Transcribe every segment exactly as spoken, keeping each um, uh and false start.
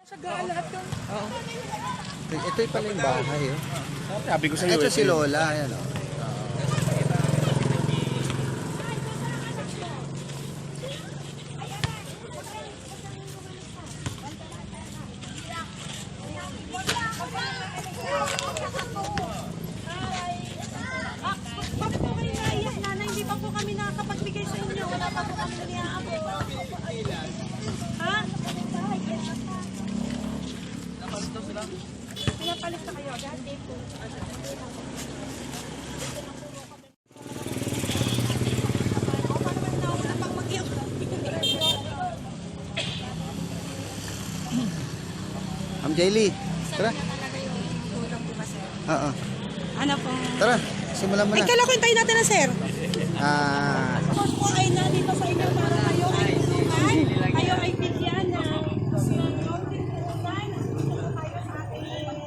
Sagaan lahat yung... Oo. Ito yung pala yung bahay. Oh. Sabi ko sa iyo. Ito si Lola. Ayan, oh. Hindi pa po kami nakakapagbigay sa inyo. Wala pa po kami niyaabot. Ha? Pinapalit na kayo. Dati po. Ma'am Jaylee, tara. Oo. Ano po? Tara, simulan mo Ay, na. kala ko hintayin natin na sir. Ah, Tapos po ay nandito sa inyo para kayo ay tulungan. Kayo ay bigyan ng counting tulungan. Nandito po tayo sa ating...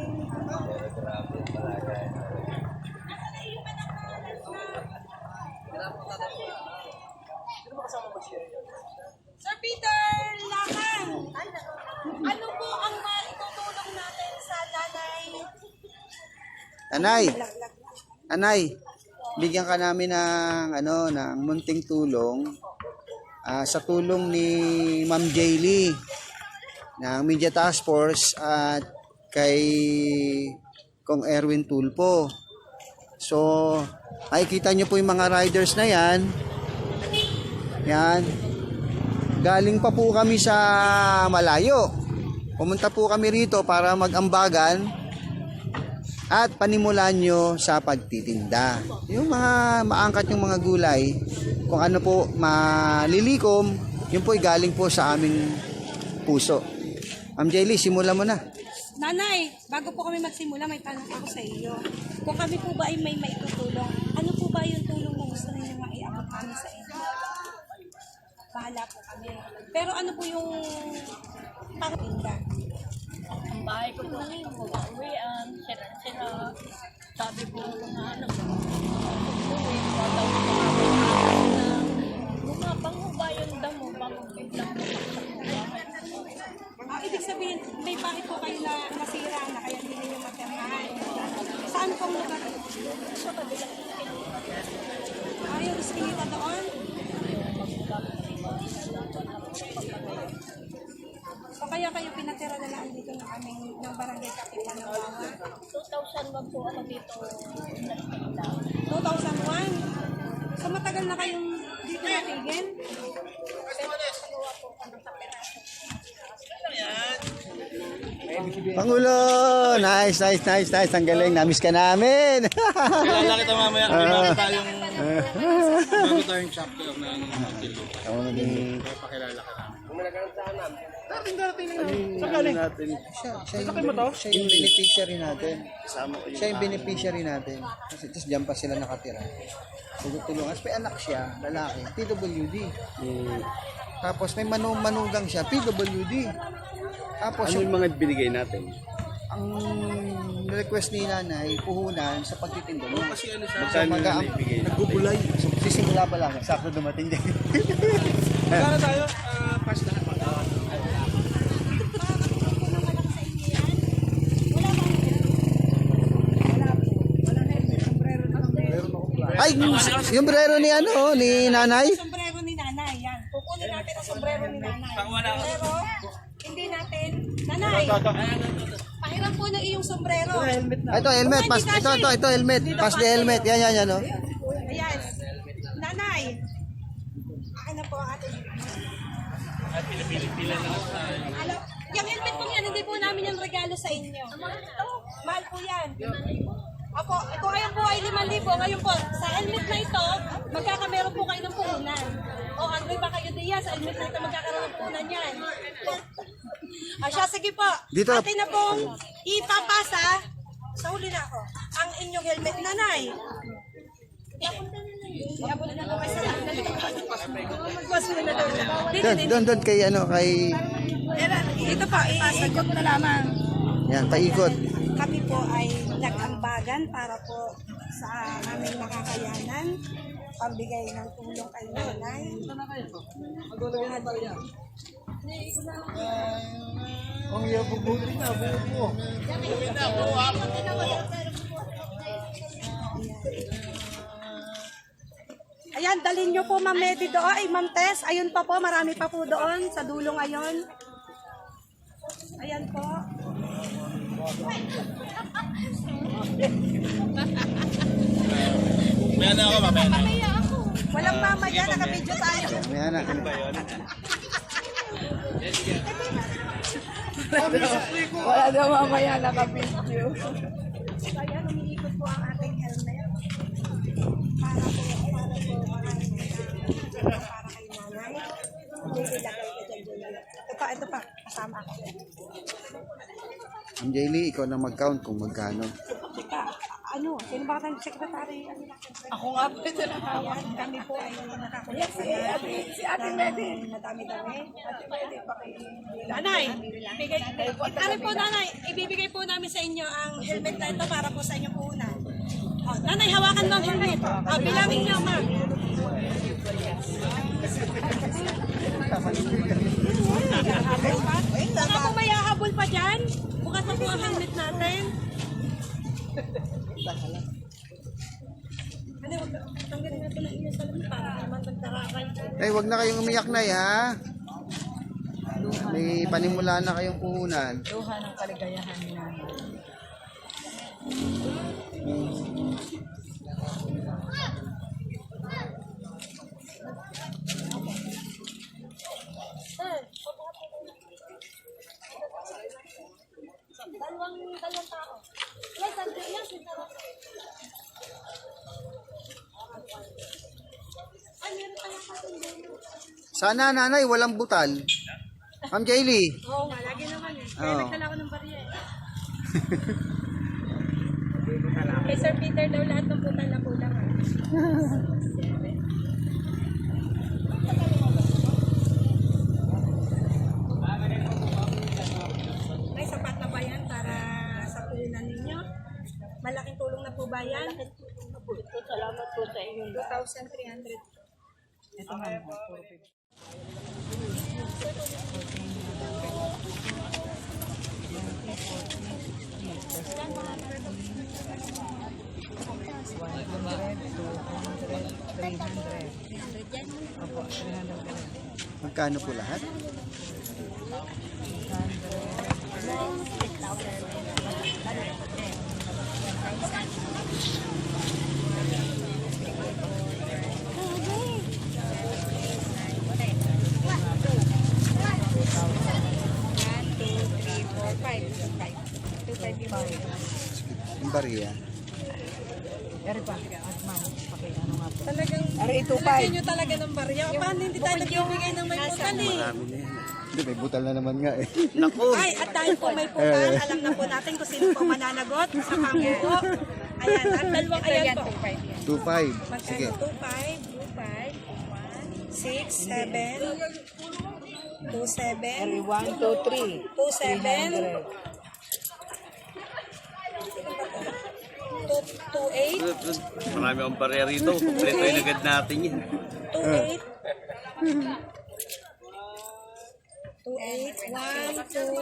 Sir Peter Lakan, ano po ang maitutulong natin sa nanay? Anay. Anay, bigyan ka namin ng ano, ng munting tulong ah, sa tulong ni Ma'am Jaylee ng Media Task Force at kay Kong Erwin Tulpo. So, makikita nyo po yung mga riders na yan. Yan. Galing pa po kami sa malayo. Pumunta po kami rito para mag-ambagan at panimulan nyo sa pagtitinda. Yung mga maangkat yung mga gulay, kung ano po malilikom, yun po ay galing po sa aming puso. Ma'am Jaylee, simulan mo na. Nanay, bago po kami magsimula, may tanong ako sa iyo. Kung kami po ba ay may maitutulong, ano po ba yung tulong na gusto ninyo maiabot kami sa inyo? Bahala po kami. Pero ano po yung pangtinda? Ang bahay ko po ngayon, mag-uwian, sira-sira. Sabi po mga ano, uwi, wala ko mga bumabang mo ba yung damo, bago biglang bumaksak mo bahay. Ah, ibig sabihin, may bahay po kayo na nasira na kaya hindi ninyo matirahan. Saan pong lugar? Sa kabilang Ah, yung iskinita doon? So kaya kayo pinatira na lang dito ng aming ng barangay Katipan ng Bawa? two thousand one po ako dito. two thousand one? So matagal na kayong dito natigil? Pangulo! Nice, nice, nice, nice. Ang galing. Namiss ka namin. Kilala kita mamaya. May bago tayong bago tayong chapter ng Martillo. Ako maging... Pakilala ka namin. Dating darating na saan galing? Siya, siya, yung, siya yung beneficiary natin. Siya yung beneficiary natin. Kasi tapos dyan pa sila nakatira. Tulungan. Tapos may anak siya, lalaki, P W D. Tapos may manu manugang siya, P W D. Tapos Ano yung mga binigay natin? ang request ni nanay, puhunan sa pagtitinda mo. Kasi ano siya? So, Magkano mag- yung naibigay? nagbubulay. So, sisimula pa lang. Sakto dumating din. Magkano tayo? Ah, pass na. Ay, yung brero ni ano, ni nanay. Sombrero ni nanay, yan. Kukunin natin ang sombrero ni nanay. Pero, hindi natin, nanay, pahiram po ng iyong sombrero. Ito, helmet. Pas, ito, ito, ito, helmet. Pass the helmet. Yan, yan, yan. Oh. Ayan. Nanay, akin na po ang ating. Alam, yung helmet po yan, hindi po namin yung regalo sa inyo. Mahal po yan. Opo, ito ngayon po ay limang libo. Ngayon po, sa helmet na ito, magkakameron po kayo ng puhunan. O, Andre ba kayo diya? Sa helmet na ito, magkakaroon ng puhunan yan. Ah, siya, sige po. Dito. Atin na pong ipapasa. Sa huli na ako. Ang inyong helmet, nanay. Iabot na po kayo sa mas mo na daw. Doon, doon, doon kay ano, kay... Ito po, isagot na lamang. Yan, paikot. Kami po ay nag-ambagan para po sa aming makakayanan, pambigay ng tulong kay nanay. Ang iya bubuti na, bubuti mo. Ayan, dalhin nyo po Ma'am Medi doon. Ay, Ma'am Tess, ayun pa po, marami pa po doon sa dulo ngayon. Ayan po. May ano ako, mamaya. Walang mamaya, naka-video tayo. May anak. Wala daw mamaya naka-video. Ayan, umiikot po ang ating helmet. Para po, para po, para para kay nanay. Nililagay ko dyan, dyan. Ito pa, ito pa. Kasama ako. Ma'am Jaylee, ikaw na mag-count kung magkano. Teka, ano, sino ba tayong secretary? Ako nga po ito na. Ayan, kami po ay nakakulit sa Si Ate Medi. madami-dami. Ate Medi, paki- Nanay, bigay, ano po nanay, ibibigay po namin sa inyo ang helmet na ito para po sa inyong puhunan. Oh, nanay, hawakan mo ang helmet. Oh, bilangin niyo, ma'am. Baka po may hahabol pa dyan. Bukas na po ang helmet natin. Ano, wag tanggalin natin ang inyo sa lamin para naman magtarakan. Eh, wag na kayong umiyak na ha. May panimula na kayong puhunan. Luha ng kaligayahan ni Nanay. Dalawang, dalawang tao. Yes, Andre, yes, ito. Ay, meron tayong patunggan. Sana nanay, walang butal. Ma'am Jaylee. Oo nga, lagi naman eh. Kaya Oo. nagdala ko ng bariya eh. Kay Sir Peter daw lahat ng putal na kulang ah. Ay, sapat na ba yan para sa puhunan ninyo? Malaking tulong na po ba yan? Salamat po sa inyo. two thousand three hundred. Ito nga po. Puro picture. three hundred. Opo, three hundred. Magkano po lahat? Yung bariya. Eri pa. At ma'am, paki ano nga po. Talagang Ari, two nilagyan five. nyo talaga ng barya. Paano hindi tayo nagbibigay ng may putal eh? Marami na yan. Hindi, may butal na naman nga eh. Ay, at dahil po may putal, alam na po natin kung sino po mananagot sa pangbuo. Ayan, at dalawang ayan po. two five. Sige. Magkano? two five, two five, six, seven, two seven, Eri, one, two, three. two seven, two two eight, Marami akong barya rito. Kompleto yung agad natin yan. two eight, two eight, one, two,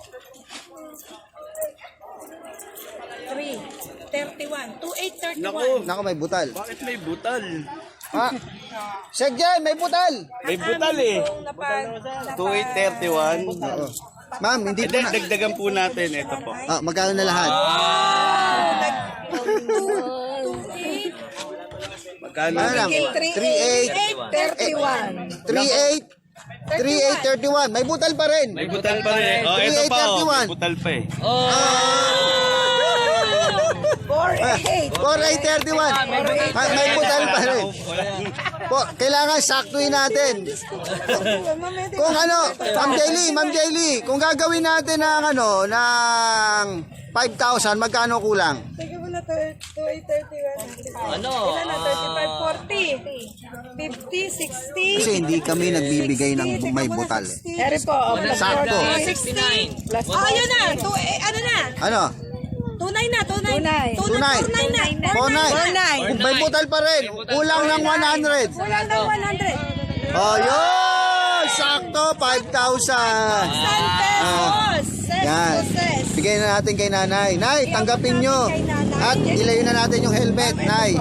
three, thirty-one, two eight, thirty-one. Naku, Nako, may butal. bakit may butal? Ha? Sek dyan, may butal. May butal eh. Kung napag, two eight thirty-one. Oo. Ma'am, hindi po Hindi, na. dagdagan po natin. Ito po. Ah, magkano na lahat? Magkano? Ano lang? three eight, thirty-one. three eight, three eight thirty-one. May butal pa rin. May butal pa rin. Oh, ito pa oh. May butal pa eh. four eight. four eight thirty-one. May, may butal pa rin. Po, kailangan saktuin natin. Kung ano, Ma'am Jaylee, Ma'am Jaylee, kung gagawin natin ng ano, ng five thousand, magkano kulang? Sige mo na, two eight, thirty-one. Ano? Ilan na, thirty-five, forty, fifty, sixty. Kasi hindi kami nagbibigay ng may butal eh. Eri po. oh, plus Sakto. sixty. Plus Oh, yun na. Two, eh, ano na? Ano? Tunay na, tunay. Tunay. Tunay. Tunay na. four nine. Four nine. Kung may butal pa rin, kulang ng one hundred. Wala na one hundred. Oh, yun! sakto, five thousand. San pesos. Ses Yan. to ses. Bigay na natin kay nanay. Nay, tanggapin nyo. At ilayo na natin yung helmet, nay.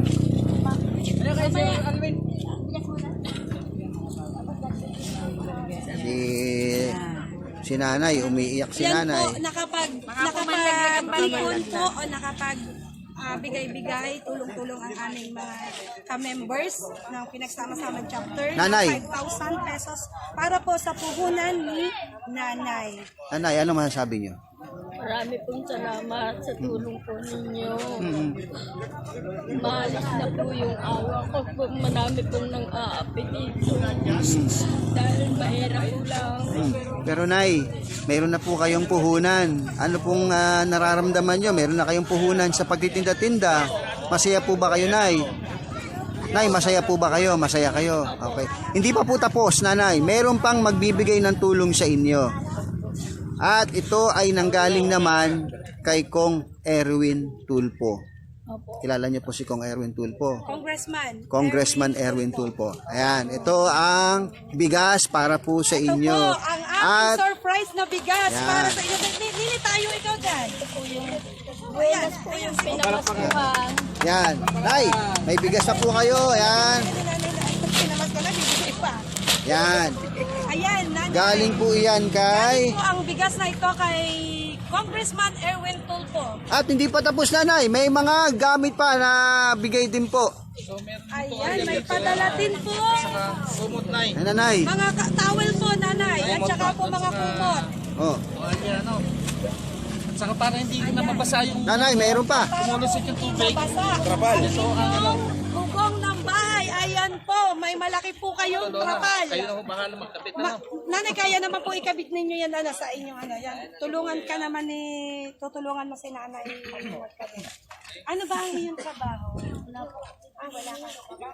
Si, si nanay, umiiyak si Yan nanay. po, nakapag, nakapag-ipon po o nakapag ah, bigay-bigay, tulong-tulong ang aming mga ka-members ng pinagsama-sama chapter. Nanay. five thousand pesos para po sa puhunan ni Nanay. Nanay, ano masasabi nyo? Marami pong salamat sa tulong po ninyo. Maalis na po yung awa ko. Po, marami pong nang aapi dito. Dahil mahirap po lang. Pero nay, mayroon na po kayong puhunan. Ano pong ah, nararamdaman nyo? Mayroon na kayong puhunan sa pagtitinda-tinda. Masaya po ba kayo, nay? Nay, masaya po ba kayo? Masaya kayo. Okay. Hindi pa po tapos, nanay. Mayroon pang magbibigay ng tulong sa inyo. At ito ay nanggaling naman kay Kong Erwin Tulfo. Opo. Kilala niyo po si Kong Erwin Tulfo. Congressman. Congressman Erwin Tulfo. Ayan, ito ang bigas para po sa Ito inyo. po, ang aming At surprise na bigas Yan. para sa inyo. Nili nili tayo ikaw dyan. Ayan, ayan. Pinamasukan. yan, nay, may bigas na po kayo. Ayan, Pinamas ko na, bibigay pa. yan. Ayan, nanay. Galing po iyan kay... Galing po ang bigas na ito kay Congressman Erwin Tulfo. At hindi pa tapos, nanay. May mga gamit pa na bigay din po. Ayan, may padala din po. Sumot na eh. Ayan, nanay. Mga ka- towel po, nanay. At saka po mga kumot. Oh. Ano? Saka para hindi na mabasa yung Nanay, mayroon pa. kumulusot yung tubig. Basa. Trapal. Ito ang ano. Bubong ng bahay. Ayan po. May malaki po kayong trapal. Kayo na ho bahala magkapit na. Ma- nanay, kaya naman po ikabit ninyo yan ano, sa inyong ano. Yan. Tulungan ka naman ni... Tutulungan mo si nanay. Ano ba ang iyong trabaho? Ah, wala ka.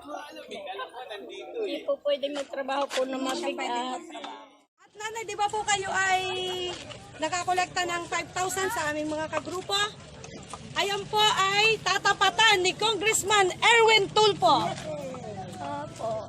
Hindi po pwedeng magtrabaho po na mabigat. At nanay, di ba po kayo ay nakakolekta ng five thousand sa aming mga kagrupo? Ayan po ay tatapatan ni Congressman Erwin Tulfo. Opo.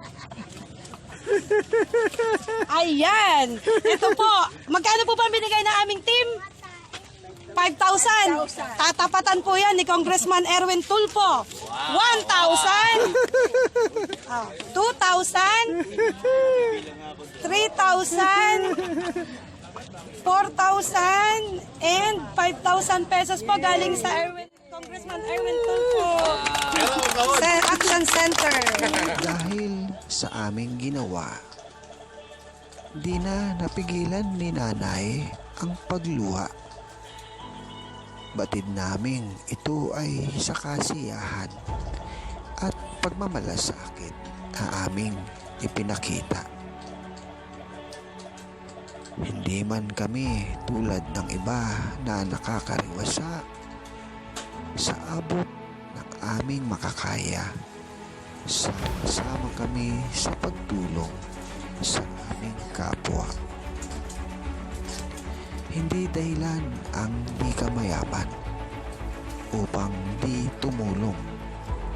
Ayan. Ito po. Magkano po ba binigay ng aming team? five thousand. Tatapatan po yan ni Congressman Erwin Tulfo. one thousand. Oh, two thousand. three thousand. four thousand. And five thousand pesos po galing sa Erwin, Congressman Erwin Tulfo. Sa Action Center. Dahil sa aming ginawa, di na napigilan ni nanay ang pagluha. Batid naming ito ay sa kasiyahan at pagmamalasakit na aming ipinakita. Hindi man kami tulad ng iba na nakakariwasa sa abot ng aming makakaya. Sama-sama kami sa pagtulong sa aming kapwa. Hindi dahilan ang di ka mayaman upang di tumulong.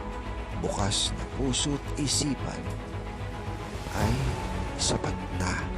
Bukas na puso't isipan ay sapat na.